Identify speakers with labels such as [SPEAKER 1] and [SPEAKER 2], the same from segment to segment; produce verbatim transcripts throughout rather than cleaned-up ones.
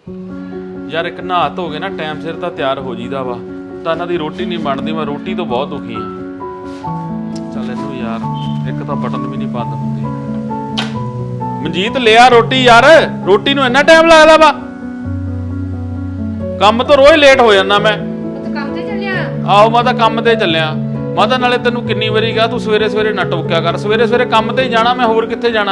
[SPEAKER 1] यार एक नहा धो के ना टाइम सिर तो तैयार हो जीदा वा तो इन्हां दी रोटी नहीं बनती। मैं रोटी तो बहुत दुखी हाँ। चल इनू यार एक तो बटन भी नहीं बंद होंदी। मनजीत लिया रोटी यार, रोटी नूं इन्ना टाइम लगदा वा। काम तो रोज लेट हो जाना मैं। आहो मैं तो काम ते चलिया। मैं तो नाले तेनू किन्नी वारी कहा तू सवेरे सवेरे ना टोकिया कर, सवेरे सवेरे काम ते ही जाना, मैं होर कित्थे जाना।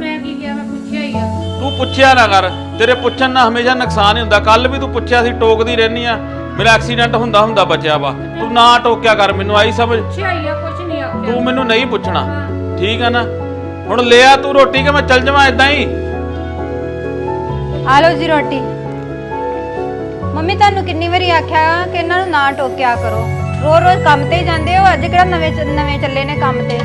[SPEAKER 1] तू पुछया ना कर, तेरे पुछन ना हमेशा नुकसान ही हुंदा। कल भी तू पुछया सी, टोकदी रहनी आ, मेरा एक्सीडेंट हुंदा हुंदा बचिया वा। तू ना टोकिया कर, मैनू आई समझ। तू मैनू नहीं पुछना ठीक है ना। हुण ले आ तू रोटी के मैं चल जावां इदां ही।
[SPEAKER 2] आ लो जी रोटी। मम्मी तुहानू किन्नी वारी आख्या कि इन्हां नूं ना टोकिया करो, रोज रोज काम ते जांदे हो, अज किहड़ा नवे नवे चले ने काम ते।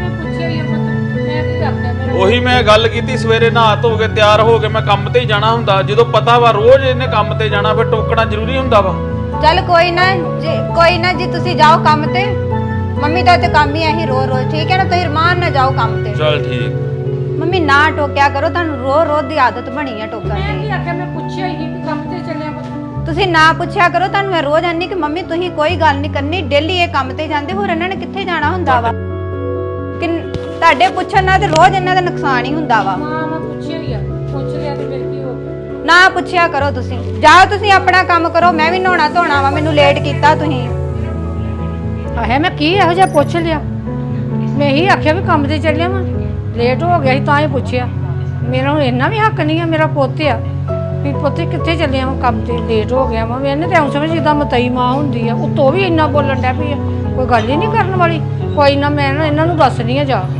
[SPEAKER 1] ਉਹੀ मैं गल कीती, सवेरे नहा धो के तैयार हो के मैं काम ते ही जाना हुंदा। ਜਦੋਂ पता वा रोज इहने काम ते जाना, फिर टोकना जरूरी हुंदा वा।
[SPEAKER 2] चल कोई ना जी, कोई ना जी, तुसी जाओ काम ते। मम्मी दा ते काम ही है रोज रोज, ठीक है ना। तुसी रमान ना जाओ काम ते।
[SPEAKER 1] चल ठीक।
[SPEAKER 2] मम्मी ना टोकिया करो, तुहानू रोज रोज दी आदत बनी है टोकण दी।
[SPEAKER 3] मैं भी आख्या मैं पुछया ही कि काम ते चलिया
[SPEAKER 2] तुसी ना पुछया करो। तुहानू मैं रोज आनी कि मम्मी तुसी कोई गल नहीं करनी, डेली ये काम ते जांदे, होर इन्हां ने कित्थे जाना हुंदा वा। कि ਤੁਹਾਡੇ ਪੁੱਛਣ ਨਾਲ ਤੇ ਰੋਜ਼ ਇਹਨਾਂ ਦਾ ਨੁਕਸਾਨ ਹੀ ਹੁੰਦਾ ਵਾ।
[SPEAKER 3] ਮਾਂ ਮੈਂ ਪੁੱਛਿਆ ਹੀ ਆ, ਪੁੱਛ ਲਿਆ ਤੇ ਫਿਰ ਕੀ ਹੋ ਗਿਆ।
[SPEAKER 2] ਨਾ ਪੁੱਛਿਆ ਕਰੋ ਤੁਸੀਂ, ਜਾਓ ਤੁਸੀਂ ਆਪਣਾ ਕੰਮ ਕਰੋ। ਮੈਂ ਵੀ ਨਹਾਉਣਾ ਧੋਣਾ ਵਾ, ਮੈਨੂੰ ਲੇਟ ਕੀਤਾ ਤੁਸੀਂ।
[SPEAKER 3] ਆਹੇ ਮੈਂ ਕੀ ਇਹੋ ਜਿਹਾ ਪੁੱਛ ਲਿਆ। ਮੈਂ ਹੀ ਆਖਿਆ ਵੀ ਕੰਮ ਤੇ ਚੱਲਿਆ ਵਾਂ, ਲੇਟ ਹੋ ਗਿਆ ਸੀ ਤਾਂ ਹੀ ਪੁੱਛਿਆ। ਮੇਰਾ ਇੰਨਾ ਵੀ ਹੱਕ ਨਹੀਂ ਆ, ਮੇਰਾ ਪੁੱਤ ਆ ਵੀ ਪੁੱਤ ਕਿੱਥੇ ਚੱਲਿਆ ਵਾਂ, ਕੰਮ ਤੇ ਲੇਟ ਹੋ ਗਿਆ ਵਾਂ। ਮੈਨੇ ਤਾਂ ਐਂ ਸਮਝ ਜਿੱਦਾਂ ਮਤਈ ਮਾਂ ਹੁੰਦੀ ਆ, ਉੱਤੋਂ ਵੀ ਇੰਨਾ ਬੋਲਣ ਡਿਆ ਪਈ ਆ, ਕੋਈ ਗੱਲ ਹੀ ਨਹੀਂ ਕਰਨ ਵਾਲੀ। ਕੋਈ ਨਾ ਮੈਂ ਨਾ ਇਹਨਾਂ ਨੂੰ ਦੱਸਣੀ ਆ ਜਾ।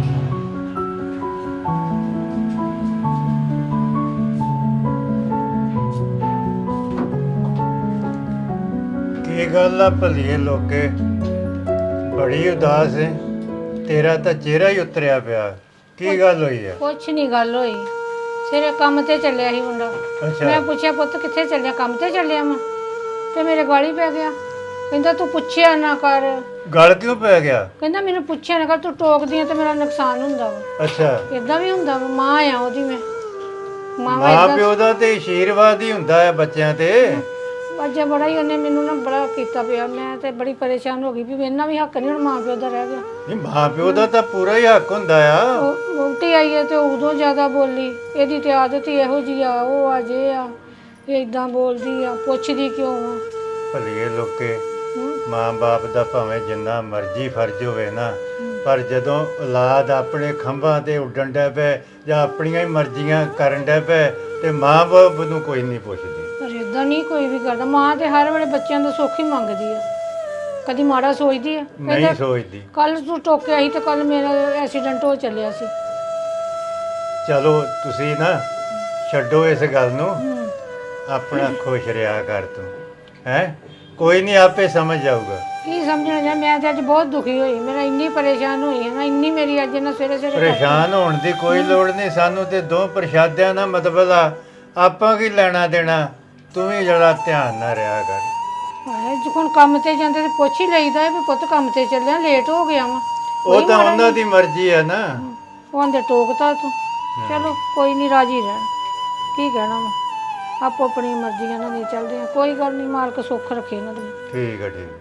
[SPEAKER 4] ਕੀ ਗੱਲ ਆ ਭਲੀਏ ਲੋਕੇ, ਬੜੀ ਉਦਾਸ ਹੈ। ਤੇਰਾ ਤਾਂ ਚਿਹਰਾ ਹੀ ਉਤਰਿਆ ਪਿਆ, ਕੀ ਗੱਲ ਹੋਈ ਹੈ?
[SPEAKER 3] ਕੁਛ ਨਹੀਂ ਗੱਲ ਹੋਈ, ਸਿਰੇ ਕੰਮ ਤੇ ਚੱਲਿਆ ਸੀ ਮੁੰਡਾ। ਮੈਂ ਪੁੱਛਿਆ ਪੁੱਤ ਕਿੱਥੇ ਚੱਲਿਆ, ਕੰਮ ਤੇ ਚੱਲਿਆ ਮੈਂ, ਤੇ ਮੇਰੇ ਗਾਲੀ ਪੈ ਗਿਆ। ਕਹਿੰਦਾ ਤੂੰ ਪੁੱਛਿਆ ਨਾ ਕਰ।
[SPEAKER 4] ਗਲ ਕਿਉਂ ਪੈ ਗਿਆ?
[SPEAKER 3] ਕਹਿੰਦਾ ਮੈਨੂੰ ਪੁੱਛਿਆ ਨਾ ਕਰ, ਤੂੰ ਟੋਕਦੀ ਆ ਤੇ ਮੇਰਾ ਨੁਕਸਾਨ ਹੁੰਦਾ ਵਾ।
[SPEAKER 4] ਅੱਛਾ
[SPEAKER 3] ਇਦਾਂ ਵੀ ਹੁੰਦਾ ਵਾ, ਮਾਂ ਆ ਉਹਦੀ ਮੈਂ।
[SPEAKER 4] ਮਾਂ ਪਿਓ ਦਾ ਤੇ ਆਸ਼ੀਰਵਾਦ ਹੀ ਹੁੰਦਾ ਹੈ ਬੱਚਿਆਂ ਤੇ।
[SPEAKER 3] ਅੱਜ ਬੜਾ ਹੀ ਉਹਨੇ ਮੈਨੂੰ ਨਾ ਬੜਾ ਕੀਤਾ ਪਿਆ, ਮੈਂ ਤੇ ਬੜੀ ਪਰੇਸ਼ਾਨ ਹੋ ਗਈ ਵੀ ਇਹਨਾਂ ਵੀ ਹੱਕ ਨਹੀਂ ਹੁਣ ਮਾਂ ਪਿਓ ਦਾ ਰਹਿ ਗਿਆ।
[SPEAKER 4] ਨਹੀਂ ਮਾਂ ਪਿਓ ਦਾ ਤਾਂ ਪੂਰਾ ਹੀ ਹੱਕ ਹੁੰਦਾ ਆ।
[SPEAKER 3] ਉਹ ਵਹੁਟੀ ਆਈ ਹੈ ਤੇ ਉਦੋਂ ਜ਼ਿਆਦਾ ਬੋਲੀ, ਇਹਦੀ ਤੇ ਆਦਤ ਹੀ ਇਹੋ ਜਿਹੀ ਆ, ਉਹ ਆ ਜੇ ਆ, ਇਹ ਇਦਾਂ ਬੋਲਦੀ ਆ, ਪੁੱਛਦੀ ਕਿਉਂ ਆ।
[SPEAKER 4] ਭਲੀਏ ਲੋਕੇ, ਮਾਂ ਬਾਪ ਦਾ ਭਾਵੇਂ ਜਿੰਨਾ ਮਰਜ਼ੀ ਫਰਜ਼ ਹੋਵੇ ਨਾ, ਪਰ ਜਦੋਂ ਔਲਾਦ ਆਪਣੇ ਖੰਭਾਂ ਤੇ ਉੱਡਣ ਡੈ ਪਏ ਜਾਂ ਆਪਣੀਆਂ ਹੀ ਮਰਜ਼ੀਆਂ ਕਰਨ ਡੈ ਪਏ ਤੇ ਮਾਂ ਬਾਪ ਨੂੰ ਕੋਈ ਨਹੀਂ ਪੁੱਛਦੀ।
[SPEAKER 3] ਪਰ ਇਦਾਂ ਨਹੀਂ ਕੋਈ ਵੀ ਕਰਦਾ। ਮਾਂ ਤੇ ਹਰ ਵੇਲੇ ਬੱਚਿਆਂ ਦਾ ਸੁੱਖ ਹੀ ਮੰਗਦੀ ਆ, ਕਦੀ ਮਾੜਾ ਸੋਚਦੀ ਆ?
[SPEAKER 4] ਨਹੀਂ ਸੋਚਦੀ।
[SPEAKER 3] ਕੱਲ ਤੂੰ ਟੋਕਿਆ ਸੀ ਤੇ ਕੱਲ ਮੇਰਾ ਐਕਸੀਡੈਂਟ ਹੋ ਚੱਲਿਆ ਸੀ।
[SPEAKER 4] ਚਲੋ ਤੁਸੀਂ ਨਾ ਛੱਡੋ ਇਸ ਗੱਲ ਨੂੰ, ਆਪਣਾ ਖੁਸ਼ ਰਿਹਾ ਕਰ ਤੂੰ, ਹੈ ਕੋਈ ਨਹੀਂ ਆਪੇ ਸਮਝ ਜਾਊਗਾ।
[SPEAKER 3] ਕੀ ਸਮਝਣਾ ਜਾ, ਮੈਂ ਤੇ ਅੱਜ ਬਹੁਤ ਦੁਖੀ ਹੋਈ, ਮੇਰਾ ਇੰਨੀ ਪਰੇਸ਼ਾਨ ਹੋਈ ਹੈ ਨਾ, ਇੰਨੀ ਮੇਰੀ ਅੱਜ ਨਾ ਸਵੇਰੇ ਸਵੇਰੇ।
[SPEAKER 4] ਪਰੇਸ਼ਾਨ ਹੋਣ ਦੀ ਕੋਈ ਲੋੜ ਨਹੀਂ, ਸਾਨੂੰ ਤੇ ਦੋ ਪ੍ਰਸ਼ਾਦਿਆਂ ਦਾ ਮਤਲਬ ਆ, ਆਪਾਂ ਕੀ ਲੈਣਾ ਦੇਣਾ। ਤੂੰ ਵੀ ਜਰਾ ਧਿਆਨ ਨਾਲ ਰਿਹਾ ਕਰ।
[SPEAKER 3] ਹਾਏ ਜੇ ਹੁਣ ਕੰਮ ਤੇ ਜਾਂਦੇ ਤੇ ਪੁੱਛ ਹੀ ਲਈਦਾ ਵੀ ਪੁੱਤ ਕੰਮ ਤੇ ਚੱਲਿਆ, ਲੇਟ ਹੋ ਗਿਆ ਵਾ।
[SPEAKER 4] ਉਹ ਤਾਂ ਉਹਨਾਂ ਦੀ ਮਰਜ਼ੀ ਹੈ ਨਾ।
[SPEAKER 3] ਉਹ ਆਂਦੇ ਟੋਕਤਾ ਤੂੰ। ਚਲੋ ਕੋਈ ਨਹੀਂ, ਰਾਜੀ ਰਹਿਣ, ਕੀ ਕਹਿਣਾ ਵਾ, ਆਪੋ ਆਪਣੀ ਮਰਜ਼ੀਆਂ ਨਾਲ ਨਹੀਂ ਚੱਲਦੇ ਆ। ਕੋਈ ਗੱਲ ਨਹੀਂ, ਮਾਲਕ ਸੁੱਖ ਰੱਖੇ ਇਹਨਾਂ ਦੇ।
[SPEAKER 4] ਠੀਕ ਹੈ ਠੀਕ ਹੈ।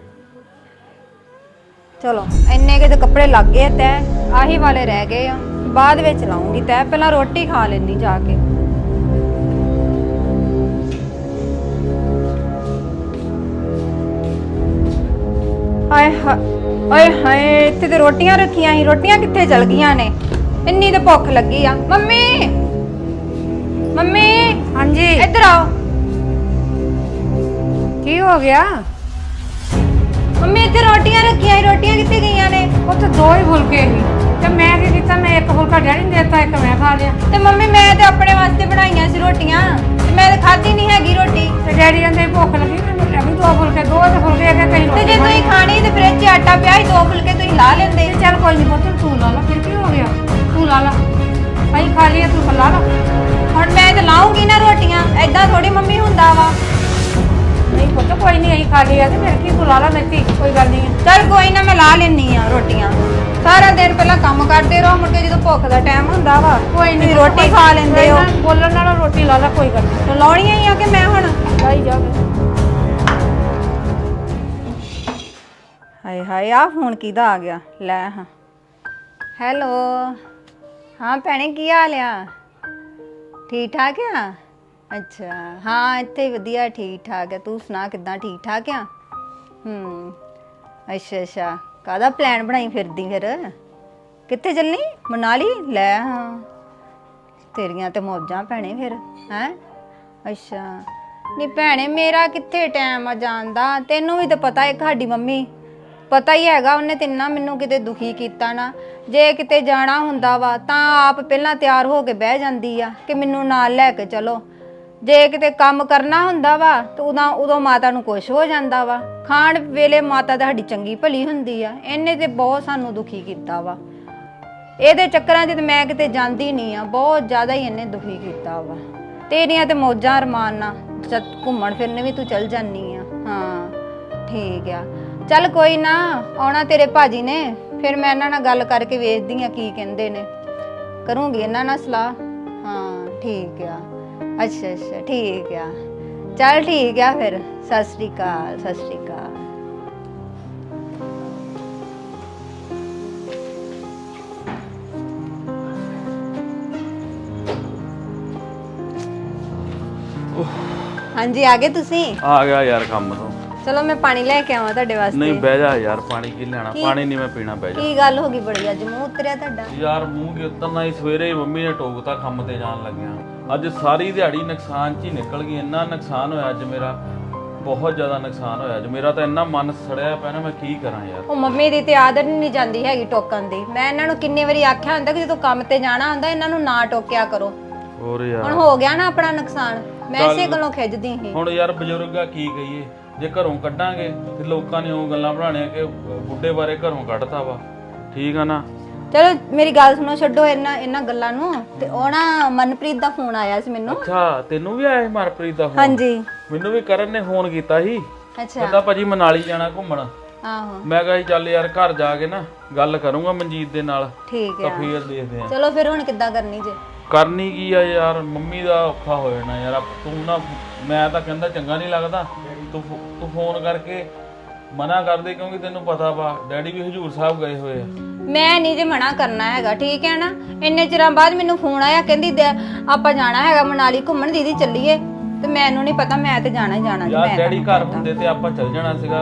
[SPEAKER 2] ਚਲੋ ਇੰਨੇ ਕੇ ਤੇ ਕੱਪੜੇ ਲੱਗ ਗਏ ਤੈ, ਆਹੀ ਵਾਲੇ ਰਹਿ ਗਏ ਆ, ਬਾਅਦ ਵਿੱਚ ਲਾਉਂਗੀ ਤੈ। ਪਹਿਲਾਂ ਰੋਟੀ ਖਾ ਲੈਣੀ ਜਾ ਕੇ। ਆਏ ਹਾਏ ਹਾਏ, ਇੱਥੇ ਤੇ ਰੋਟੀਆਂ ਰੱਖੀਆਂ ਸੀ, ਰੋਟੀਆਂ ਕਿੱਥੇ ਚਲ ਗਈਆਂ ਨੇ? ਇੰਨੀ ਤੇ ਭੁੱਖ ਲੱਗੀ ਆ। ਮੰਮੀ ਮੰਮੀ,
[SPEAKER 3] ਹਾਂਜੀ
[SPEAKER 2] ਇੱਧਰ ਆਓ।
[SPEAKER 3] ਕੀ ਹੋ ਗਿਆ?
[SPEAKER 2] ਮੰਮੀ ਇੱਥੇ ਰੋਟੀਆਂ ਰੱਖੀਆਂ ਸੀ, ਰੋਟੀਆਂ ਕਿੱਥੇ ਗਈਆਂ ਨੇ?
[SPEAKER 3] ਉਹ ਤਾਂ ਦੋ ਹੀ ਫੁਲਕੇ ਸੀ ਤੇ ਮੈਂ ਕੀ ਕੀਤਾ, ਮੈਂ ਇੱਕ ਫੁਲਕਾ ਡੈਡੀ ਨੂੰ ਦੇਤਾ, ਇੱਕ ਮੈਂ ਖਾ ਲਿਆ।
[SPEAKER 2] ਤੇ ਮੰਮੀ ਮੈਂ ਤੇ ਆਪਣੇ ਵਾਸਤੇ ਬਣਾਈਆਂ ਸੀ ਰੋਟੀਆਂ, ਤੇ ਮੈਂ ਤੇ ਖਾਧੀ ਨਹੀਂ ਹੈਗੀ ਰੋਟੀ।
[SPEAKER 3] ਤੇ ਡੈਡੀ ਕਹਿੰਦੇ ਭੁੱਖ ਲੱਗੀ, ਮੈਨੂੰ ਲੈ ਵੀ ਦੋ ਫੁਲਕੇ, ਦੋ ਤੇ ਫੁਲਕੇ ਹੈਗੇ ਕਹੀਂ।
[SPEAKER 2] ਤੇ ਜੇ ਤੁਸੀਂ ਖਾਣੀ ਤੇ ਫ੍ਰਿਜ 'ਚ ਆਟਾ ਪਿਆ ਸੀ, ਦੋ ਫੁਲਕੇ ਤੁਸੀਂ ਲਾ ਲੈਂਦੇ।
[SPEAKER 3] ਚੱਲ ਕੋਈ ਨਹੀਂ ਪੁੱਤ, ਤੂੰ ਲਾ ਲਾ, ਫਿਰ ਕੀ ਹੋ ਗਿਆ, ਤੂੰ ਲਾ ਲਾ, ਅਸੀਂ ਖਾ ਲਈਏ, ਤੂੰ ਲਾ ਲਾ।
[SPEAKER 2] ਹੁਣ ਮੈਂ ਤੇ ਲਾਉਂਗੀ ਨਾ ਰੋਟੀਆਂ, ਐਦਾਂ ਥੋੜੀ ਮੰਮੀ ਹੁੰਦਾ ਵਾ।
[SPEAKER 3] ਨਹੀਂ ਪੁੱਤ ਕੋਈ ਨਹੀਂ, ਅਸੀਂ ਖਾ ਲਈਏ ਤੇ ਫਿਰ ਕੀ, ਤੂੰ ਲਾ ਲਾ, ਨਹੀਂ ਕੋਈ ਗੱਲ ਨਹੀਂ।
[SPEAKER 2] ਚਲ ਕੋਈ ਨਾ, ਮੈਂ ਲਾ ਲੈਣੀ ਆ ਰੋਟੀਆਂ। ਸਾਰਾ ਦਿਨ ਪਹਿਲਾਂ ਕੰਮ ਕਰਦੇ ਰਹੋ, ਮੁੜ ਕੇ ਜਦੋਂ ਭੁੱਖ ਦਾ ਟਾਈਮ ਹੁੰਦਾ ਵਾ
[SPEAKER 3] ਕੋਈ ਨਹੀਂ
[SPEAKER 2] ਰੋਟੀ ਖਾ ਲੈਂਦੇ ਹੋ।
[SPEAKER 3] ਬੋਲਣ ਨਾਲ ਰੋਟੀ ਲਾ ਲਾ, ਕੋਈ ਗੱਲ ਨਹੀਂ,
[SPEAKER 2] ਲਾਉਣੀਆਂ ਹੀ ਆ ਕਿ ਮੈਂ ਹੁਣ
[SPEAKER 3] ਲਾਈ ਜਾਵੇ।
[SPEAKER 2] ਹਾਏ ਹਾਏ ਆ ਫੋਨ ਕਿਹਦਾ ਆ ਗਿਆ? ਲੈ ਹਾਂ ਹੈਲੋ, ਹਾਂ ਭੈਣੇ ਕੀ ਹਾਲ ਆ? ਠੀਕ ਠਾਕ ਆ? ਅੱਛਾ ਹਾਂ ਇੱਥੇ ਹੀ ਵਧੀਆ ਠੀਕ ਠਾਕ ਆ। ਤੂੰ ਸੁਣਾ ਕਿੱਦਾਂ, ਠੀਕ ਠਾਕ ਆ? ਹੂੰ ਅੱਛਾ ਅੱਛਾ, ਕਾਹਦਾ ਪਲਾਨ ਬਣਾਈ ਫਿਰਦੀ ਫਿਰ? ਕਿੱਥੇ ਚੱਲਣੀ? ਮਨਾਲੀ? ਲੈ ਹਾਂ ਤੇਰੀਆਂ ਤੇ ਮੌਜਾਂ ਭੈਣੇ ਫਿਰ ਹੈਂ। ਅੱਛਾ ਨਹੀਂ ਭੈਣੇ ਮੇਰਾ ਕਿੱਥੇ ਟਾਈਮ ਆ ਜਾਣ ਦਾ, ਤੈਨੂੰ ਵੀ ਤਾਂ ਪਤਾ ਹੈ ਸਾਡੀ ਮੰਮੀ ਪਤਾ ਹੀ ਹੈਗਾ, ਉਹਨੇ ਤਿੰਨਾ ਮੈਨੂੰ ਕਿਤੇ ਦੁਖੀ ਕੀਤਾ ਨਾ। ਜੇ ਕਿਤੇ ਜਾਣਾ ਹੁੰਦਾ ਵਾ ਤਾਂ ਆਪ ਪਹਿਲਾਂ ਤਿਆਰ ਹੋ ਕੇ ਬਹਿ ਜਾਂਦੀ ਆ ਕਿ ਮੈਨੂੰ ਨਾਲ ਲੈ ਕੇ ਚਲੋ। ਜੇ ਕਿਤੇ ਕੰਮ ਕਰਨਾ ਹੁੰਦਾ ਵਾ ਤਾਂ ਉਦੋਂ ਉਦੋਂ ਮਾਤਾ ਨੂੰ ਕੁਛ ਹੋ ਜਾਂਦਾ ਵਾ। ਖਾਣ ਵੇਲੇ ਮਾਤਾ ਤਾਂ ਸਾਡੀ ਚੰਗੀ ਭਲੀ ਹੁੰਦੀ ਆ, ਇਹਨੇ ਤੇ ਬਹੁਤ ਸਾਨੂੰ ਦੁਖੀ ਕੀਤਾ ਵਾ। ਇਹਦੇ ਚੱਕਰਾਂ 'ਚ ਤੇ ਮੈਂ ਕਿਤੇ ਜਾਂਦੀ ਨਹੀਂ ਆ, ਬਹੁਤ ਜ਼ਿਆਦਾ ਹੀ ਇਹਨੇ ਦੁਖੀ ਕੀਤਾ ਵਾ। ਤੇਰੀਆਂ ਤੇ ਮੌਜਾਂ ਅਰਮਾਨ ਨਾਲ ਜਦ ਘੁੰਮਣ ਫਿਰਨ ਵੀ ਤੂੰ ਚੱਲ ਜਾਨੀ ਆ। ਹਾਂ ਠੀਕ ਆ, ਚੱਲ ਕੋਈ ਨਾ, ਆਉਣਾ ਤੇਰੇ ਭਾਜੀ ਨੇ, ਫਿਰ ਮੈਂ ਇਹਨਾਂ ਨਾਲ ਗੱਲ ਕਰਕੇ ਵੇਖਦੀ ਆ ਕੀ ਕਹਿੰਦੇ ਨੇ, ਕਰੂੰਗੀ ਇਹਨਾਂ ਨਾਲ ਸਲਾਹ। ਹਾਂ ਠੀਕ ਆ, ਅੱਛਾ ਅੱਛਾ ਠੀਕ ਆ, ਚੱਲ ਠੀਕ ਆ ਫਿਰ, ਸਤਿ ਸ਼੍ਰੀ ਅਕਾਲ ਸਤਿ ਸ਼੍ਰੀ ਅਕਾਲ। ਹਾਂਜੀ ਆ ਗਏ ਤੁਸੀਂ?
[SPEAKER 1] ਆ ਗਿਆ ਯਾਰ ਕੰਮ ਤੋਂ।
[SPEAKER 2] ਚਲੋ ਮੈਂ ਪਾਣੀ ਲੈ ਕੇ ਆਵਾਂ ਤੁਹਾਡੇ ਵਾਸਤੇ।
[SPEAKER 1] ਨਹੀਂ ਬਹਿ ਜਾ ਯਾਰ, ਪਾਣੀ ਕੀ ਲੈਣਾ, ਪਾਣੀ ਨਹੀਂ ਮੈਂ ਪੀਣਾ, ਬਹਿ ਜਾ।
[SPEAKER 2] ਕੀ ਗੱਲ ਹੋ ਗਈ ਬੜੀ, ਅੱਜ ਮੂੰਹ ਉਤਰਿਆ ਤੁਹਾਡਾ?
[SPEAKER 1] ਯਾਰ ਮੂੰਹ ਕੀ ਉਤਰਨਾ ਹੀ, ਸਵੇਰੇ ਹੀ ਮੰਮੀ ਨੇ ਟੋਕਤਾ ਕੰਮ ਤੇ ਜਾਣ ਲੱਗਿਆ। ਅੱਜ ਸਾਰੀ ਦਿਹਾੜੀ ਨੁਕਸਾਨ 'ਚ ਹੀ ਨਿਕਲ ਗਈ। ਇੰਨਾ ਨੁਕਸਾਨ ਹੋਇਆ ਅੱਜ ਮੇਰਾ, ਬਹੁਤ ਜ਼ਿਆਦਾ ਨੁਕਸਾਨ ਹੋਇਆ ਅੱਜ ਮੇਰਾ, ਤਾਂ ਇੰਨਾ ਮਨ ਸੜਿਆ ਪਿਆ ਨਾ, ਮੈਂ ਕੀ ਕਰਾਂ ਯਾਰ।
[SPEAKER 2] ਉਹ ਮੰਮੀ ਦੀ ਤੇ ਆਦਤ ਨਹੀਂ ਜਾਂਦੀ ਹੈਗੀ ਟੋਕਣ ਦੀ। ਮੈਂ ਇਹਨਾਂ ਨੂੰ ਕਿੰਨੇ ਵਾਰੀ ਆਖਿਆ ਹੁੰਦਾ ਕਿ ਜਦੋਂ ਕੰਮ ਤੇ ਜਾਣਾ ਹੁੰਦਾ ਇਹਨਾਂ ਨੂੰ ਨਾ ਟੋਕਿਆ ਕਰੋ।
[SPEAKER 1] ਹੋਰ ਯਾਰ
[SPEAKER 2] ਹੁਣ ਹੋ ਗਿਆ ਨਾ ਆਪਣਾ ਨੁਕਸਾਨ, ਮੈਂ ਇਸੇ ਗੱਲੋਂ ਖਿੱਚਦੀ ਸੀ।
[SPEAKER 1] ਹੁਣ ਯਾਰ ਬਜ਼ੁਰਗਾ ਕੀ ਕਹੀਏ, ਜੇ ਘਰੋਂ ਕੱਢਾਂਗੇ ਤੇ ਲੋਕਾਂ ਨੇ ਉਹ ਗੱਲਾਂ ਬਣਾਉਣੀਆਂ ਕਿ ਬੁੱਢੇ ਬਾਰੇ ਘਰੋਂ ਕੱਢਤਾ ਵਾ, ਠੀਕ ਆ ਨਾ।
[SPEAKER 2] ਚਲੋ ਮੇਰੀ ਗੱਲ ਸੁਣੋ, ਛੱਡੋ ਇਹਨਾਂ ਇਹਨਾਂ ਗੱਲਾਂ ਨੂੰ। ਤੇ ਉਹ ਨਾ ਮਨਪ੍ਰੀਤ ਦਾ ਫੋਨ ਆਇਆ ਸੀ ਮੈਨੂੰ।
[SPEAKER 1] ਅੱਛਾ ਤੈਨੂੰ ਵੀ ਆਇਆ ਸੀ ਮਨਪ੍ਰੀਤ ਦਾ ਫੋਨ?
[SPEAKER 2] ਹਾਂਜੀ
[SPEAKER 1] ਮੈਨੂੰ ਵੀ ਕਰਨ ਨੇ ਫੋਨ ਕੀਤਾ ਸੀ,
[SPEAKER 2] ਅੱਛਾ
[SPEAKER 1] ਕਹਿੰਦਾ ਭਾਜੀ ਮਨਾਲੀ ਜਾਣਾ ਘੁੰਮਣ।
[SPEAKER 2] ਆਹੋ
[SPEAKER 1] ਮੈਂ ਕਿਹਾ ਚੱਲ ਯਾਰ ਘਰ ਜਾ ਕੇ ਨਾ ਗੱਲ ਕਰੂੰਗਾ ਮਨਜੀਤ ਦੇ ਨਾਲ,
[SPEAKER 2] ਠੀਕ
[SPEAKER 1] ਤਾਂ
[SPEAKER 2] ਆ।
[SPEAKER 1] ਫੇਰ ਦੇਖਦੇ ਆ।
[SPEAKER 2] ਚਲੋ ਫਿਰ ਹੁਣ ਕਿੱਦਾਂ ਕਰਨੀ ਜੇ?
[SPEAKER 1] ਕਰਨੀ ਕੀ ਆ ਯਾਰ, ਮੰਮੀ ਦਾ ਔਖਾ ਹੋ ਜਾਣਾ ਯਾਰ। ਤੂੰ ਨਾ, ਮੈਂ ਤਾਂ ਕਹਿੰਦਾ ਚੰਗਾ ਨਹੀਂ ਲੱਗਦਾ, ਤੂੰ ਤੂੰ ਫੋਨ ਕਰਕੇ ਮਨਾ ਕਰਦੇ, ਕਿਉਂਕਿ ਤੈਨੂੰ ਪਤਾ ਵਾ ਡੈਡੀ ਵੀ ਹਜੂਰ ਸਾਹਿਬ ਗਏ ਹੋਏ ਆ।
[SPEAKER 2] ਮੈਂ ਨਹੀਂ ਜੇ ਮਨਾ ਕਰਨਾ ਹੈਗਾ, ਠੀਕ ਹੈ ਨਾ। ਇੰਨੇ ਚਿਰਾਂ ਬਾਅਦ ਮੈਨੂੰ ਫੋਨ ਆਇਆ, ਕਹਿੰਦੀ ਆਪਾਂ ਜਾਣਾ ਹੈਗਾ ਮਨਾਲੀ ਘੁੰਮਣ, ਦੀਦੀ ਚੱਲੀਏ। ਤੇ ਮੈਨੂੰ ਨਹੀਂ ਪਤਾ, ਮੈਂ ਤੇ ਜਾਣਾ ਹੀ ਜਾਣਾ ਜੀ।
[SPEAKER 1] ਯਾਰ ਡੈਡੀ ਘਰ ਹੁੰਦੇ ਤੇ ਆਪਾਂ ਚੱਲ ਜਾਣਾ ਸੀਗਾ।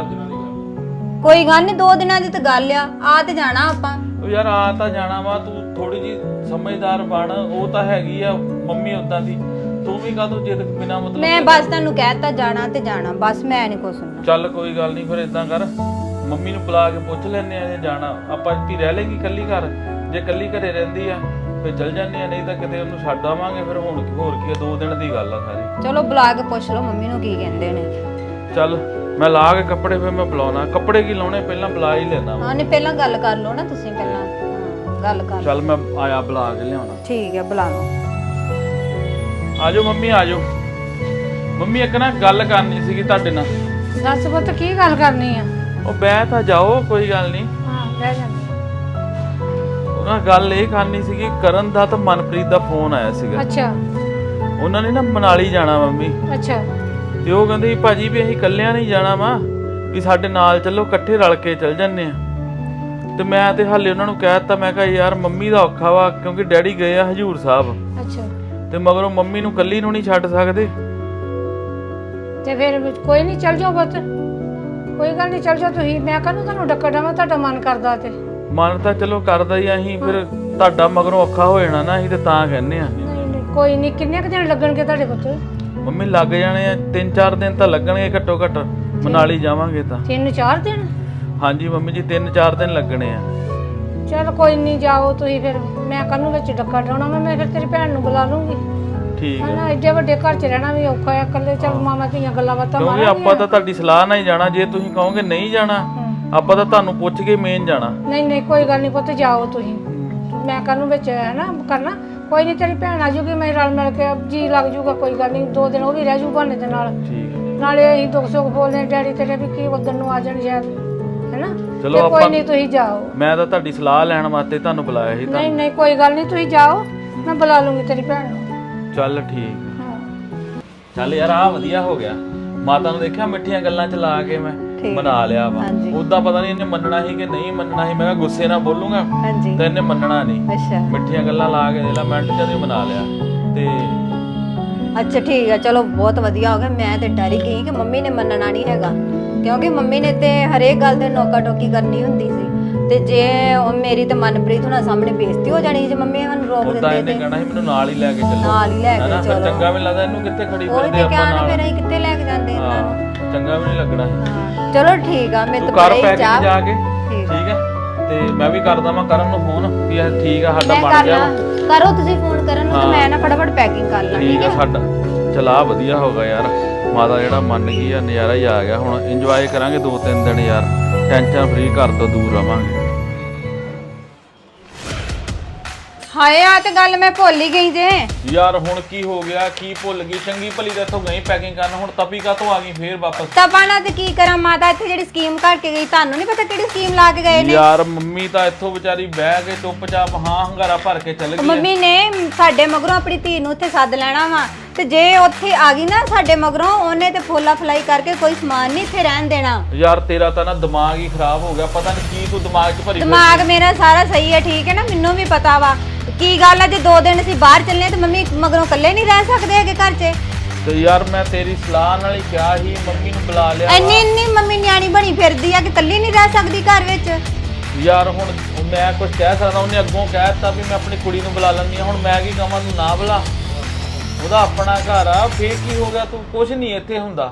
[SPEAKER 2] ਕੋਈ ਗੱਲ ਨਹੀਂ, ਦੋ ਦਿਨਾਂ ਦੀ ਤਾਂ ਗੱਲ ਆ, ਆ ਤੇ ਜਾਣਾ ਆਪਾਂ।
[SPEAKER 1] ਉਹ ਯਾਰ ਆ ਤਾਂ ਜਾਣਾ ਵਾ, ਤੂੰ ਥੋੜੀ ਜੀ ਸਮਝਦਾਰ ਬਣ। ਉਹ ਤਾਂ ਹੈਗੀ ਆ ਮੰਮੀ ਉਦਾਂ ਦੀ, ਤੂੰ ਵੀ ਕਾਹਤੋਂ ਜਿੱਦ ਬਿਨਾ ਮਤਲਬ।
[SPEAKER 2] ਮੈਂ ਬਸ ਤੁਹਾਨੂੰ ਕਹਿਤਾ ਜਾਣਾ ਤੇ ਜਾਣਾ, ਬਸ ਮੈਂ ਨਹੀਂ ਕੁਛ ਸੁਣਨਾ।
[SPEAKER 1] ਚੱਲ ਕੋਈ ਗੱਲ ਨਹੀਂ, ਫਿਰ ਇਦਾਂ ਕਰ, ਮੰਮੀ ਨੂੰ ਬੁਲਾ ਕੇ ਪੁੱਛ ਲੈਨੇ ਆ ਜੇ ਜਾਣਾ। ਆਪਾਂ ਵੀ ਰਹਿ ਲੇਗੀ ਕੱਲੀ ਘਰ, ਜੇ ਕੱਲੀ ਘਰੇ ਰਹਿੰਦੀ ਆ ਫਿਰ ਚੱਲ ਜਾਂਦੇ ਆ, ਨਹੀਂ ਤਾਂ ਕਿਤੇ ਉਹਨੂੰ ਛੱਡ ਆਵਾਂਗੇ। ਫਿਰ ਹੁਣ ਹੋਰ ਕੀ ਆ, ਦੋ ਦਿਨ ਦੀ ਗੱਲ ਆ ਸਾਰੀ।
[SPEAKER 2] ਚਲੋ ਬੁਲਾ ਕੇ ਪੁੱਛ ਲਓ ਮੰਮੀ ਨੂੰ ਕੀ ਕਹਿੰਦੇ ਨੇ।
[SPEAKER 1] ਚੱਲ ਮੈਂ ਲਾ ਕੇ ਕੱਪੜੇ, ਫਿਰ ਮੈਂ ਬੁਲਾਉਣਾ। ਕੱਪੜੇ ਕੀ ਲਾਉਣੇ ਪਹਿਲਾਂ ਬੁਲਾ ਹੀ ਲੈਣਾ।
[SPEAKER 2] ਹਾਂ ਨਹੀਂ ਪਹਿਲਾਂ ਗੱਲ ਕਰ ਲਓ ਨਾ ਤੁਸੀਂ, ਪਹਿਲਾਂ ਹਾਂ, ਗੱਲ ਕਰ।
[SPEAKER 1] ਚੱਲ ਮੈਂ ਆਇਆ, ਬੁਲਾ ਕੇ ਲਿਆਉਣਾ।
[SPEAKER 2] ਠੀਕ ਹੈ ਬੁਲਾ ਲਓ।
[SPEAKER 1] ਆਜੋ ਮੰਮੀ ਆਜੋ। ਮੰਮੀ ਇੱਕ ਨਾ ਗੱਲ ਕਰਨੀ ਸੀਗੀ ਤੁਹਾਡੇ ਨਾਲ।
[SPEAKER 3] ਦੱਸ ਪੁੱਤ ਕੀ ਗੱਲ ਕਰਨੀ ਆ?
[SPEAKER 1] ਉਹ ਬਹਿ ਤਾਂ ਜਾਓ, ਕੋਈ ਗੱਲ ਨਹੀਂ।
[SPEAKER 3] ਹਾਂ ਬਹਿ ਜਾਂਦੀ।
[SPEAKER 1] ਉਹਨਾਂ ਗੱਲ ਇਹ ਕਰਨੀ ਸੀਗੀ, ਕਰਨ ਦਾ ਤਾਂ ਮਨਪ੍ਰੀਤ ਦਾ ਫੋਨ ਆਇਆ ਸੀਗਾ।
[SPEAKER 3] ਅੱਛਾ
[SPEAKER 1] ਉਹਨਾਂ ਨੇ ਨਾ ਮਨਾਲੀ ਜਾਣਾ ਮੰਮੀ,
[SPEAKER 3] ਅੱਛਾ
[SPEAKER 1] ਤੇ ਉਹ ਕਹਿੰਦੇ ਭਾਜੀ ਵੀ ਅਸੀਂ ਇਕੱਲਿਆਂ ਨਹੀਂ ਜਾਣਾ ਵਾ, ਵੀ ਸਾਡੇ ਨਾਲ ਚੱਲੋ, ਇਕੱਠੇ ਰਲ ਕੇ ਚੱਲ ਜੰਨੇ ਆ। ਤੇ ਮੈਂ ਤੇ ਹਾਲੇ ਉਹਨਾਂ ਨੂੰ ਕਹਿ ਦਿੱਤਾ, ਮੈਂ ਕਿਹਾ ਯਾਰ ਮੰਮੀ ਦਾ ਔਖਾ ਵਾ, ਕਿਉਂਕਿ ਡੈਡੀ ਗਏ ਆ ਹਜੂਰ ਸਾਹਿਬ,
[SPEAKER 3] ਅੱਛਾ
[SPEAKER 1] ਤੇ ਮਗਰੋਂ ਮੰਮੀ ਨੂੰ ਇਕੱਲੀ ਨੂੰ ਨਹੀਂ ਛੱਡ ਸਕਦੇ।
[SPEAKER 3] ਤੇ ਫਿਰ ਕੋਈ ਨਹੀਂ, ਚੱਲ ਜਾਓ ਪੁੱਤ, ਕੋਈ ਗੱਲ ਨਹੀਂ, ਚੱਲ ਜਾਓ ਤੁਸੀਂ। ਮੈਂ ਕਹਿੰਦਾ ਤੁਹਾਨੂੰ ਡੱਕਾ ਡਾਵਾਂ, ਤੁਹਾਡਾ ਮਨ ਕਰਦਾ ਤੇ।
[SPEAKER 1] ਮਨ ਤਾਂ ਚਲੋ ਕਰਦਾ ਹੀ, ਅਸੀਂ ਫਿਰ ਤੁਹਾਡਾ ਮਗਰੋਂ ਔਖਾ ਹੋ ਜਾਣਾ ਨਾ, ਅਸੀਂ ਤੇ ਤਾਂ ਕਹਿੰਦੇ ਆ।
[SPEAKER 3] ਨਹੀਂ ਨਹੀਂ ਕੋਈ ਨਹੀਂ, ਕਿੰਨੇ ਕੁ ਦਿਨ ਲੱਗਣਗੇ ਤੁਹਾਡੇ ਪੁੱਤ?
[SPEAKER 1] ਮੰਮੀ ਲੱਗ ਜਾਣੇ ਆ, ਤਿੰਨ ਚਾਰ ਦਿਨ ਤਾਂ ਲੱਗਣਗੇ ਘੱਟੋ ਘੱਟ, ਮਨਾਲੀ ਜਾਵਾਂਗੇ ਤਾਂ।
[SPEAKER 3] ਤਿੰਨ ਚਾਰ ਦਿਨ?
[SPEAKER 1] ਹਾਂਜੀ ਮੰਮੀ ਜੀ, ਤਿੰਨ ਚਾਰ ਦਿਨ ਲੱਗਣੇ ਆ।
[SPEAKER 3] ਚਲ ਕੋਈ ਨਹੀਂ, ਜਾਓ ਤੁਸੀਂ ਫਿਰ। ਮੈਂ ਕੱਲ ਵਿੱਚ ਡੱਕਾ ਡਾਉਣਾ, ਮੈਂ ਫਿਰ ਤੇਰੀ ਭੈਣ ਨੂੰ ਬੁਲਾ ਲੂੰਗੀ।
[SPEAKER 1] ਠੀਕ ਹੈ।
[SPEAKER 3] ਹਨਾ ਐਡੇ ਵੱਡੇ ਘਰ 'ਚ ਰਹਿਣਾ ਵੀ ਔਖਾ ਹੈ, ਇਕੱਲੇ ਚੱਲ ਮਾਮਾ ਧੀਆਂ ਗੱਲਾਂ ਬਾਤਾਂ
[SPEAKER 1] ਕਿਉਂਕਿ
[SPEAKER 3] ਮਾਰਾਂਗੇ।
[SPEAKER 1] ਆਪਾਂ ਤਾਂ ਤੁਹਾਡੀ ਸਲਾਹ ਨਾਲ ਹੀ ਜਾਣਾ, ਜੇ ਤੁਸੀਂ ਕਹੋਗੇ ਨਹੀਂ ਜਾਣਾ ਆਪਾਂ ਤਾਂ ਤੁਹਾਨੂੰ ਪੁੱਛ ਕੇ ਮੇਨ ਜਾਣਾ।
[SPEAKER 3] ਨਹੀਂ ਨਹੀਂ ਕੋਈ ਗੱਲ ਨਹੀਂ ਪੁੱਤ, ਜਾਓ ਤੁਸੀਂ। ਮੈਂ ਕੱਲ ਨੂੰ ਵਿੱਚ ਹੈ ਨਾ ਕਰਨਾ, ਕੋਈ ਨਹੀਂ, ਤੇਰੀ ਭੈਣ ਆ ਜੂਗੀ, ਮੈਂ ਰਲ ਮਿਲ ਕੇ ਜੀ ਲੱਗ ਜੂਗਾ, ਕੋਈ ਗੱਲ ਨਹੀਂ। ਦੋ ਦਿਨ ਉਹ ਵੀ ਰਹਿ ਜੂ ਬਹਾਨੇ ਦੇ ਨਾਲ,
[SPEAKER 1] ਠੀਕ ਹੈ।
[SPEAKER 3] ਨਾਲੇ ਅਸੀਂ ਦੁੱਖ ਸੁੱਖ ਬੋਲਦੇ ਡੈਡੀ ਤੇਰੇ ਵੀ ਕੀ ਉਧਰ ਨੂੰ ਆ ਜਾਣ ਸ਼ਾਇਦ। ਹੈਨਾ?
[SPEAKER 1] ਚਲੋ
[SPEAKER 3] ਤੇ ਕੋਈ
[SPEAKER 1] ਆਪਾਂ-
[SPEAKER 3] ਨਹੀਂ ਤੁਸੀਂ ਜਾਓ।
[SPEAKER 1] ਮੈਂ ਤਾਂ ਤੁਹਾਡੀ ਸਲਾਹ ਲੈਣ ਵਾਸਤੇ ਤੁਹਾਨੂੰ ਬੁਲਾਇਆ ਸੀ।
[SPEAKER 3] ਨਹੀਂ ਨਹੀਂ ਕੋਈ ਗੱਲ ਨਹੀਂ, ਤੁਸੀਂ ਜਾਓ, ਮੈਂ ਬੁਲਾ ਲੂੰਗੀ ਤੇਰੀ ਭੈਣ ਨੂੰ।
[SPEAKER 1] ਚੱਲ ਠੀਕ।
[SPEAKER 3] ਹਾਂ
[SPEAKER 1] ਚੱਲ ਯਾਰ ਆ ਵਧੀਆ ਹੋ ਗਿਆ। ਮਾਤਾ ਨੂੰ ਦੇਖਿਆ ਮਿੱਠੀਆਂ ਗੱਲਾਂ ਚ ਲਾ ਕੇ ਮੈਂ ਮਨਾ ਲਿਆ ਵਾ।
[SPEAKER 2] ਹਾਂਜੀ।
[SPEAKER 1] ਉਦਾਂ ਪਤਾ ਨਹੀਂ ਇਹਨੇ ਮੰਨਣਾ ਸੀ ਕਿ ਨਹੀਂ ਮੰਨਣਾ ਸੀ। ਮੈਂ ਕਿਹਾ ਗੁੱਸੇ ਨਾਲ ਬੋਲੂੰਗਾ
[SPEAKER 2] ਹਾਂਜੀ।
[SPEAKER 1] ਤੇ ਇਹਨੇ ਮੰਨਣਾ ਨਹੀਂ।
[SPEAKER 2] ਅੱਛਾ
[SPEAKER 1] ਮਿੱਠੀਆਂ ਗੱਲਾਂ ਲਾ ਕੇ ਦੇ ਲਾ ਮਿੰਟ ਜਦ ਹੀ ਮਨਾ ਲਿਆ। ਤੇ
[SPEAKER 2] ਅੱਛਾ ਠੀਕ ਆ, ਚਲੋ ਬਹੁਤ ਵਧੀਆ ਹੋ ਗਿਆ। ਮੈਂ ਤੇ ਡਰ ਹੀ ਗਈ ਕਿ ਮੰਮੀ ਨੇ ਮੰਨਣਾ ਨਹੀਂ ਹੈਗਾ, ਕਿਉਂਕਿ ਮੰਮੀ ਨੇ ਤੇ ਹਰੇਕ ਗੱਲ ਤੇ ਨੋਕਾ ਟੋਕੀ ਕਰਨੀ ਹੁੰਦੀ ਸੀ। ਤੇ ਜੇ ਉਹ ਮੇਰੀ ਤੇ ਮਨਪ੍ਰੀਤ ਹੁਣਾਂ ਸਾਹਮਣੇ ਬੇਇੱਜ਼ਤੀ ਹੋ ਜਾਣੀ ਜੇ ਮੰਮੀ ਸਾਨੂੰ ਰੋਕ
[SPEAKER 1] ਉਦਾਂ
[SPEAKER 2] ਦਿੰਦੇ
[SPEAKER 1] ਇਹਨੇ
[SPEAKER 2] ਤੇ
[SPEAKER 1] ਕਹਿਣਾ ਸੀ ਮੈਨੂੰ ਨਾਲ ਹੀ ਲੈ ਕੇ ਚੱਲੋ,
[SPEAKER 2] ਨਾਲ ਹੀ ਲੈ ਕੇ
[SPEAKER 1] ਹਨਾ? ਫਿਰ
[SPEAKER 2] ਚਲੋ।
[SPEAKER 1] ਚੰਗਾ ਵੀ ਨੀ ਲੱਗਦਾ ਇਹਨੂੰ ਕਿੱਥੇ ਖੜੀ
[SPEAKER 2] ਉਹੀ
[SPEAKER 1] ਫਿਰਦੇ
[SPEAKER 2] ਤੇ
[SPEAKER 1] ਆਪਾਂ
[SPEAKER 2] ਕਿਹਾ ਨਾ,
[SPEAKER 1] ਨਾਲ।
[SPEAKER 2] ਫਿਰ ਅਸੀਂ ਕਿੱਥੇ ਲੈ ਕੇ ਜਾਂਦੇ ਇਹਨਾਂ ਨੂੰ।
[SPEAKER 1] ਹਾਂ ਚੰਗਾ ਵੀ ਨਹੀਂ ਲੱਗਣਾ ਸੀ।
[SPEAKER 2] ਹਾਂ ਚਲੋ ਠੀਕ ਆ, ਮੈਂ
[SPEAKER 1] ਤੂੰ
[SPEAKER 2] ਤਾਂ
[SPEAKER 1] ਕਰ
[SPEAKER 2] ਬੜੀ
[SPEAKER 1] ਪੈਕਿੰਗ
[SPEAKER 2] ਚਾਹ
[SPEAKER 1] ਜਾ ਕੇ
[SPEAKER 2] ਠੀਕ
[SPEAKER 1] ਠੀਕ ਹੈ। ਤੇ ਮੈਂ ਵੀ ਕਰਦਾ ਮੈਂ ਕਰਨ ਨੂੰ ਫੋਨ ਵੀ ਇਹ ਠੀਕ ਆ ਸਾਡਾ
[SPEAKER 2] ਮੈਂ
[SPEAKER 1] ਬਣ
[SPEAKER 2] ਕਰ
[SPEAKER 1] ਗਿਆ
[SPEAKER 2] ਲਾਂ,
[SPEAKER 1] ਵਾ।
[SPEAKER 2] ਕਰੋ ਤੁਸੀਂ ਫੋਨ ਕਰਨ ਨੂੰ ਤੇ
[SPEAKER 1] ਹਾਂ।
[SPEAKER 2] ਮੈਂ ਨਾ ਫਟਾਫਟ ਪੈਕਿੰਗ ਕਰ ਲਾਂ।
[SPEAKER 1] ਠੀਕ ਆ ਸਾਡਾ ਚਲਾ ਵਧੀਆ ਹੋ ਗਿਆ ਯਾਰ। ਮਾਤਾ ਜਿਹੜਾ ਮੰਨ ਗਈ ਆ, ਨਜ਼ਾਰਾ ਹੀ ਆ ਗਿਆ। ਹੁਣ ਇੰਜੋਏ ਕਰਾਂਗੇ ਦੋ ਤਿੰਨ ਦਿਨ ਯਾਰ, ਟੈਨਸ਼ਨ ਫ੍ਰੀ ਘਰ ਤੋਂ ਦੂਰ ਰਵਾਂਗੇ।
[SPEAKER 2] ਹਾਏ ਆ ਤੇ ਗੱਲ ਮੈਂ ਭੁੱਲ ਹੀ ਗਈ ਜੇ।
[SPEAKER 1] ਯਾਰ ਹੁਣ ਕੀ ਹੋ ਗਿਆ? ਕੀ ਭੁੱਲ ਗਈ? ਚੰਗੀ ਭਲੀ ਤਾਂ ਇੱਥੋਂ ਗਈ ਪੈਕਿੰਗ ਕਰਨ, ਹੁਣ ਤਪੀ ਕਾ ਤੋਂ ਆ ਗਈ ਫੇਰ ਵਾਪਸ?
[SPEAKER 2] ਤਪਾਣਾ ਤੇ ਕੀ ਕਰਾਂ, ਮਾਤਾ ਇੱਥੇ ਜਿਹੜੀ ਸਕੀਮ ਕਰਕੇ ਗਈ, ਤੁਹਾਨੂੰ ਨਹੀਂ ਪਤਾ ਕਿਹੜੀ ਸਕੀਮ ਲਾ ਕੇ ਗਏ ਨੇ?
[SPEAKER 1] ਯਾਰ ਮੰਮੀ ਤਾਂ ਇੱਥੋਂ ਵਿਚਾਰੀ ਬਹਿ ਕੇ ਚੁੱਪਚਾਪ ਹਾਂ ਹੰਗਾਰਾ ਭਰ ਕੇ ਚੱਲ ਗਈ ਆ।
[SPEAKER 2] ਮੰਮੀ ਨੇ ਸਾਡੇ ਮਗਰੋਂ ਆਪਣੀ ਧੀ ਨੂੰ ਉੱਥੇ ਸੱਦ ਲੈਣਾ ਵਾ, ਤੇ ਜੇ ਉੱਥੇ ਆ ਗਈ ਨਾ ਸਾਡੇ ਮਗਰੋਂ, ਉਹਨੇ ਤੇ ਫੋਲਾ ਫਲਾਈ ਕਰਕੇ ਕੋਈ ਸਮਾਨ ਨਹੀਂ ਇੱਥੇ ਰਹਿਣ ਦੇਣਾ।
[SPEAKER 1] ਯਾਰ ਤੇਰਾ ਤਾਂ ਨਾ ਦਿਮਾਗ ਹੀ ਖਰਾਬ ਹੋ ਗਿਆ। ਪਤਾ ਨਹੀਂ ਕੀ ਤੂੰ ਦਿਮਾਗ 'ਚ ਭਰੀ
[SPEAKER 2] ਦਿਮਾਗ ਮੇਰਾ ਸਾਰਾ ਸਹੀ ਹੈ, ਠੀਕ ਹੈ ਨਾ? ਮੈਨੂੰ ਵੀ ਪਤਾ ਵਾ ਕੀ ਗੱਲ ਹੈ। ਜੇ ਦੋ ਦਿਨ ਅਸੀਂ ਬਾਹਰ ਚੱਲੇ ਤੇ ਮੰਮੀ ਮਗਰੋਂ ਇਕੱਲੇ ਨਹੀਂ ਰਹਿ ਸਕਦੇ ਹੈਗੇ ਘਰ 'ਚ।
[SPEAKER 1] ਤੇ ਯਾਰ ਮੈਂ ਤੇਰੀ ਸਲਾਹ ਨਾਲ ਹੀ ਕਿਹਾ ਸੀ, ਮੰਮੀ ਨੂੰ ਬੁਲਾ ਲਿਆ ਵਾ।
[SPEAKER 2] ਇੰਨੀ ਇੰਨੀ ਮੰਮੀ ਨਿਆਣੀ ਬਣੀ ਫਿਰਦੀ ਆ ਕਿ ਇਕੱਲੀ ਨਹੀਂ ਰਹਿ ਸਕਦੀ ਘਰ ਵਿੱਚ।
[SPEAKER 1] ਯਾਰ ਹੁਣ ਮੈਂ ਕੁਝ ਕਹਿ ਸਕਦਾ? ਉਹਨੇ ਅੱਗੋਂ ਕਹਿ ਦਿੱਤਾ ਵੀ ਮੈਂ ਆਪਣੀ ਕੁੜੀ ਨੂੰ ਬੁਲਾ ਲੈਂਦੀ ਹਾਂ। ਹੁਣ ਮੈਂ ਕੀ ਕਹਾਂ ਤੂੰ ਨਾ ਬੁਲਾ? ਉਹਦਾ ਆਪਣਾ ਘਰ ਆ, ਫੇਰ ਕੀ ਹੋ ਗਿਆ? ਤੂੰ ਕੁਝ ਨਹੀਂ ਇੱਥੇ ਹੁੰਦਾ।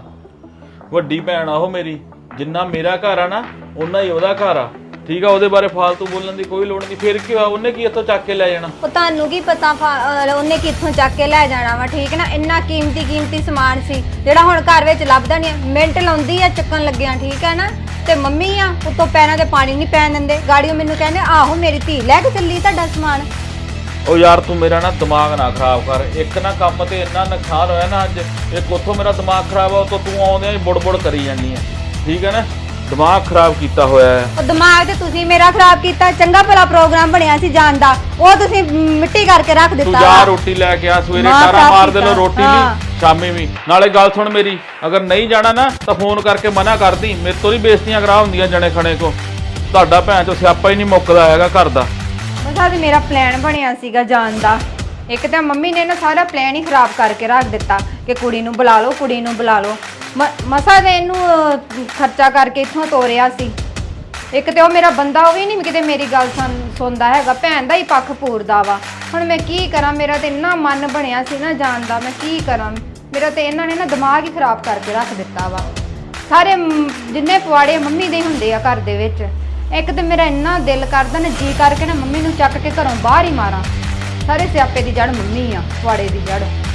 [SPEAKER 1] ਵੱਡੀ ਭੈਣ ਆ ਉਹ ਮੇਰੀ, ਜਿੰਨਾ ਮੇਰਾ ਘਰ ਆ ਨਾ ਓਨਾ ਹੀ ਉਹਦਾ ਘਰ ਆ। ਠੀਕ ਆ, ਉਹਦੇ ਬਾਰੇ ਫਾਲਤੂ ਬੋਲਣ ਦੀ ਕੋਈ ਲੋੜ ਨਹੀਂ। ਫਿਰ ਕੀ ਹੋਇਆ? ਉਹਨੇ ਕੀ ਇੱਥੋਂ ਚੱਕ ਕੇ ਲੈ ਜਾਣਾ?
[SPEAKER 2] ਉਹ ਤੁਹਾਨੂੰ ਕੀ ਪਤਾ ਫਾ- ਅਹ ਉਹਨੇ ਕਿੱਥੋਂ ਚੱਕ ਕੇ ਲੈ ਜਾਣਾ ਵਾ, ਠੀਕ ਹੈ ਨਾ? ਇੰਨਾ ਕੀਮਤੀ ਕੀਮਤੀ ਸਮਾਨ ਸੀ ਜਿਹੜਾ ਹੁਣ ਘਰ ਵਿੱਚ ਲੱਭਦਾ ਨਹੀਂ। ਮਿੰਟ ਲਾਉਂਦੀ ਆ ਚੱਕਣ ਲੱਗਿਆ, ਠੀਕ ਹੈ ਨਾ? ਤੇ ਮੰਮੀ ਆ ਉੱਤੋਂ ਪੈਰਾਂ ਤੇ ਪਾਣੀ ਨਹੀਂ ਪੈਣ ਦਿੰਦੇ। ਗਾੜੀਓ ਮੈਨੂੰ ਕਹਿੰਦੇ ਆਹੋ ਮੇਰੀ ਧੀ ਲੈ ਕੇ ਚੱਲੀ ਤੁਹਾਡਾ ਸਮਾਨ।
[SPEAKER 1] ਉਹ ਯਾਰ ਤੂੰ ਮੇਰਾ ਨਾ ਦਿਮਾਗ ਨਾ ਖਰਾਬ ਕਰ। ਇੱਕ ਨਾ ਕੰਮ ਤੇ ਇੰਨਾ ਨੁਕਸਾਨ ਹੋਇਆ ਨਾ ਅੱਜ, ਇੱਕ ਉੱਥੋਂ ਮੇਰਾ ਦਿਮਾਗ ਖਰਾਬ ਆ, ਉੱਤੋਂ ਤੂੰ ਆਉਂਦਿਆਂ ਹੀ ਬੁੜ-ਬੁੜ ਕਰੀ ਜਾਂਦੀ ਹੈ। ਠੀਕ ਹੈ ਨਾ? ਦਿਮਾਗ ਖਰਾਬ ਕੀਤਾ ਹੋਇਆ ਹੈ।
[SPEAKER 2] ਉਹ ਦਿਮਾਗ ਤੇ ਤੁਸੀਂ ਮੇਰਾ ਖਰਾਬ ਕੀਤਾ। ਚੰਗਾ ਭਲਾ ਪ੍ਰੋਗਰਾਮ ਬਣਿਆ ਸੀ ਜਾਣ ਦਾ, ਉਹ ਤੁਸੀਂ ਮਿੱਟੀ ਕਰਕੇ ਰੱਖ
[SPEAKER 1] ਤੂੰ
[SPEAKER 2] ਦਿੱਤਾ
[SPEAKER 1] ਜਾ
[SPEAKER 2] ਵਾ।
[SPEAKER 1] ਰੋਟੀ ਲੈ ਕੇ ਆ, ਸਵੇਰੇ
[SPEAKER 2] ਮਾਂ
[SPEAKER 1] ਕਾਰਾ
[SPEAKER 2] ਖਰਾਬ
[SPEAKER 1] ਮਾਰ ਦੇ ਲੋ
[SPEAKER 2] ਕੀਤਾ।
[SPEAKER 1] ਰੋਟੀ
[SPEAKER 2] ਹਾਂ।
[SPEAKER 1] ਲਈ, ਸ਼ਾਮੀ ਵੀ। ਨਾਲੇ ਗੱਲ ਸੁਣ ਮੇਰੀ, ਅਗਰ ਨਹੀਂ ਜਾਣਾ ਨਾ ਤਾਂ ਫੋਨ ਕਰਕੇ ਮਨਾ ਕਰਦੀ। ਮੇਰੇ ਤੋਂ ਨਹੀਂ ਬੇਇੱਜ਼ਤੀਆਂ ਕਰਾ ਹੁੰਦੀਆਂ ਜਣੇ ਖਣੇ ਕੋ। ਤੁਹਾਡਾ ਭੈਣ ਚੋਂ ਸਿਆਪਾ ਹੀ ਨਹੀਂ ਮੁੱਕਦਾ ਹੈਗਾ ਘਰ ਦਾ।
[SPEAKER 2] ਮਸਾ ਤੇ ਮੇਰਾ ਪਲਾਨ ਬਣਿਆ ਸੀਗਾ ਜਾਣ ਦਾ। ਇੱਕ ਤਾਂ ਮੰਮੀ ਨੇ ਨਾ ਸਾਰਾ ਪਲਾਨ ਹੀ ਖਰਾਬ ਕਰਕੇ ਰੱਖ ਦਿੱਤਾ ਕਿ ਕੁੜੀ ਨੂੰ ਬੁਲਾ ਲਓ, ਕੁੜੀ ਨੂੰ ਬੁਲਾ ਲਓ। ਮ- ਮਸਾ ਤੇ ਇਹਨੂੰ ਅਹ, ਖਰਚਾ ਕਰਕੇ ਇੱਥੋਂ ਤੋਰਿਆ ਸੀ। ਇੱਕ ਤੇ ਉਹ ਮੇਰਾ ਬੰਦਾ, ਉਹ ਵੀ ਨਹੀਂ ਕਿਤੇ ਮੇਰੀ ਗੱਲ ਸੁਣ- ਸੁਣਦਾ ਹੈਗਾ, ਭੈਣ ਦਾ ਹੀ ਪੱਖ ਪੂਰਦਾ ਵਾ। ਹੁਣ ਮੈਂ ਕੀ ਕਰਾਂ? ਮੇਰਾ ਤੇ ਇੰਨਾ ਮਨ ਬਣਿਆ ਸੀ ਨਾ ਜਾਣ ਦਾ, ਮੈਂ ਕੀ ਕਰਾਂ? ਮੇਰਾ ਤੇ ਇਹਨਾਂ ਨੇ ਨਾ ਦਿਮਾਗ ਹੀ ਖਰਾਬ ਕਰਕੇ ਰੱਖ ਦਿੱਤਾ ਵਾ। ਸਾਰੇ ਮ- ਜਿੰਨੇ ਪਵਾੜੇ ਮੰਮੀ ਦੇ ਹੁੰਦੇ ਆ ਘਰ ਦੇ ਵਿੱਚ। ਇੱਕ ਤੇ ਮੇਰਾ ਇੰਨਾ ਦਿਲ ਕਰਦਾ ਨਾ, ਜੀ ਕਰਕੇ ਨਾ ਮੰਮੀ ਨੂੰ ਚੱਕ ਕੇ ਘਰੋਂ ਬਾਹਰ ਹੀ ਮਾਰਾਂ। ਸਾਰੇ ਸਿਆਪੇ ਦੀ ਜੜ ਮੰਮੀ ਆ, ਪਵਾੜੇ ਦੀ ਜੜ।